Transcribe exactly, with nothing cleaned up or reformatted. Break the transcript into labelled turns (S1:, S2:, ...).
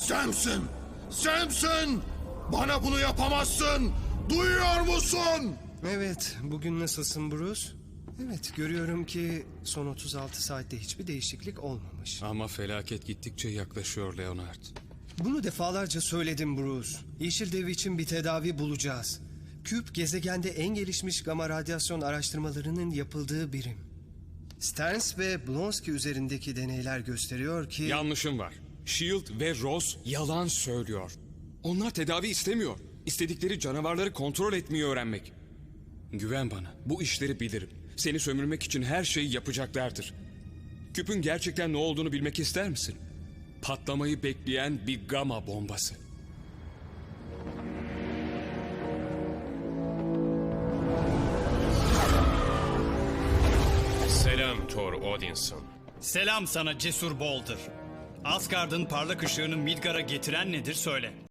S1: Sensin! Sensin! Bana bunu yapamazsın! Duyuyor musun?
S2: Evet, bugün nasılsın Bruce? Evet, görüyorum ki son otuz altı saatte hiçbir değişiklik olmamış.
S3: Ama felaket gittikçe yaklaşıyor Leonard.
S2: Bunu defalarca söyledim Bruce. Yeşil Dev için bir tedavi bulacağız. Küp, gezegende en gelişmiş gama radyasyon araştırmalarının yapıldığı birim. Sterns ve Blonsky üzerindeki deneyler gösteriyor ki...
S3: Yanlışım var. Shield ve Ross yalan söylüyor. Onlar tedavi istemiyor. İstedikleri canavarları kontrol etmeyi öğrenmek. Güven bana. Bu işleri bilirim. Seni sömürmek için her şeyi yapacaklardır. Küpün gerçekten ne olduğunu bilmek ister misin? Patlamayı bekleyen bir gama bombası.
S4: Selam Thor Odinson.
S5: Selam sana cesur Boulder. Asgard'ın parlak ışığını Midgar'a getiren nedir söyle.